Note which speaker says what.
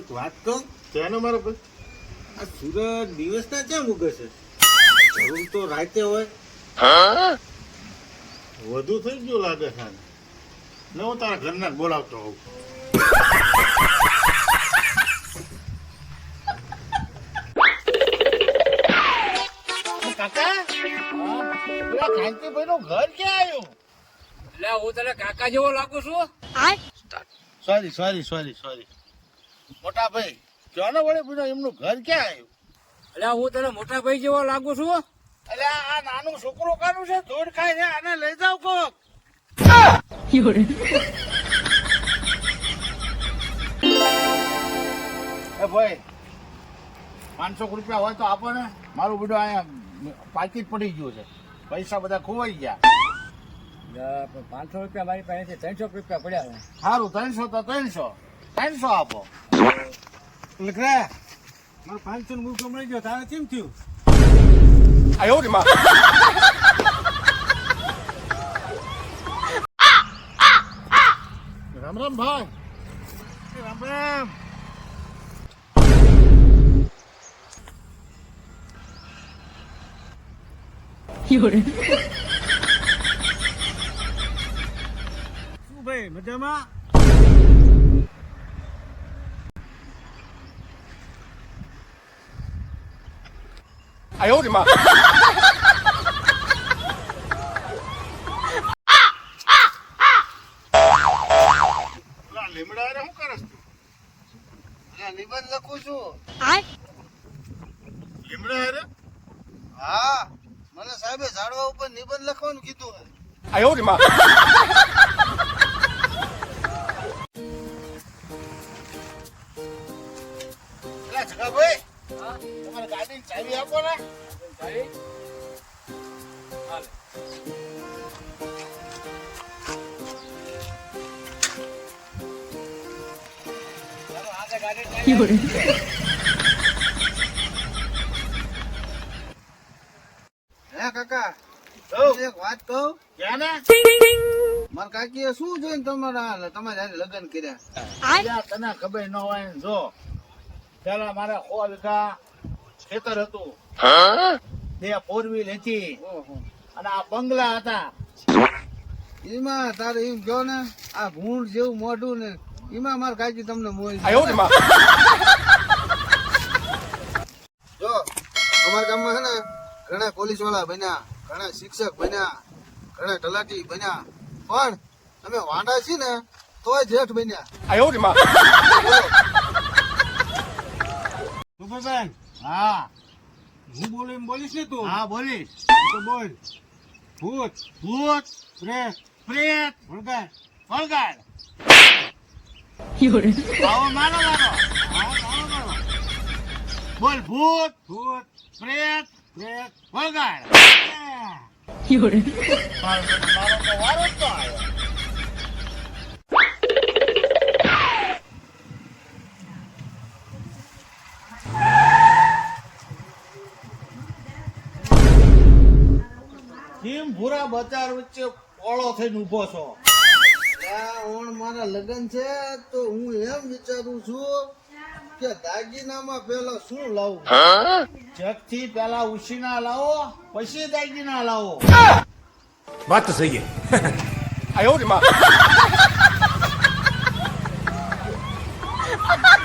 Speaker 1: એક વાત કહું
Speaker 2: ત્યાંનો મારો ભાઈ
Speaker 1: આ સૂરજ દિવસના કેમ ઉગે છે જરૂર તો રાતે હોય
Speaker 2: વધુ થઈ ગયું લાગે છે આને. ને હું તારા ઘરના જ બોલાવતો હોઉં. કાકા પેલા કાંતિભાઈ નું ઘર ક્યાં આવ્યું?
Speaker 3: એટલે હું તને કાકા જેવો લાગુ છું.
Speaker 2: સોરી મોટા ભાઈ ક્યાં વળે પૂછો એમનું ઘર ક્યાં આવ્યું?
Speaker 3: એટલે હું તને મોટા ભાઈ જેવો લાગુ છું.
Speaker 2: એટલે આ નાનું છોકરો કાનું છે ધૂળ ખાય છે આને લઈ જાવ કોક. એ ભાઈ 500 રૂપિયા હોય તો આપો ને. મારું બધું અહીંયા પાકીટ પડી ગયું છે, પૈસા બધા ખોવાઈ ગયા.
Speaker 3: 500 રૂપિયા મારી પાસે 300 રૂપિયા પડ્યા છે.
Speaker 2: સારું 300 તો 300 આપો.
Speaker 1: લખરા મારે 500 નું મૂકો મળી ગયો તારે કેમ થયું
Speaker 2: રામ રામ ભાઈ. રામ રામ.
Speaker 1: શું ભાઈ મજામાં
Speaker 2: પેલા લીમડા હારે શું કરસ તું?
Speaker 4: નિબંધ લખું છું.
Speaker 2: લીમડા હારે?
Speaker 4: હા, મને સાહેબે ઝાડવા ઉપર નિબંધ લખવાનું કીધું.
Speaker 2: પેલા જગાભાઈ તમારી ગાડીની ચાવી આપો ને.
Speaker 3: ચાલી? હાલે. ચાલો, આગળ ગાડી ચાલી.
Speaker 4: હે કાકા,
Speaker 2: ઓ,
Speaker 4: એક વાત કહું.
Speaker 2: ક્યાં ને?
Speaker 4: મારા કાકીએ શું જોઈને તમારા હારે લગ્ન કર્યા?
Speaker 2: યાર, તને ખબર ન હોય ને જો પેલા મારે 100 વીઘા ખેતર હતું, 2 4 વ્હીલ હતી
Speaker 4: ઓહો.
Speaker 2: અને આ બંગલા હતા.
Speaker 4: એમાં તારે એમ કહો ને, આ ભૂંડ જેવું મોઢું ને એમાં મારા કાકી તમને મોઈ. જો અમારા ગામમાં છે ને ઘણા પોલીસ વાળા બન્યા, ઘણા શિક્ષક બન્યા, ઘણા તલાટી બન્યા, પણ અમે વાંડા છીએ ને તોય જેઠ બન્યા.
Speaker 1: સુપરબેન
Speaker 2: હા
Speaker 1: હું બોલું એમ બોલીશ ને તું
Speaker 2: હા બોલીશ.
Speaker 1: તો બોલ ભૂત
Speaker 2: ભૂત,
Speaker 1: પ્રેત
Speaker 2: પ્રેત,
Speaker 1: ભૂલગાર
Speaker 2: વળગાડ. આવો માનો માનો. બોલ ભૂત,
Speaker 1: ભૂત
Speaker 2: પ્રેત,
Speaker 1: પ્રેત
Speaker 2: વળગાડ.
Speaker 1: આ.
Speaker 2: મારો તો વારો જ તો આવ્યો. કેમ ભૂરા બજાર વચ્ચે પોળો થઈને ઉભો છો?
Speaker 4: ઓણ મારા લગ્ન છે તો હું એમ વિચારું છું કે દાગીનામાં પેલા શું લાવું?
Speaker 2: જગથી પેલા ઉછીના લાવો, પછી દાગીના લાવો.
Speaker 5: बात तो सही है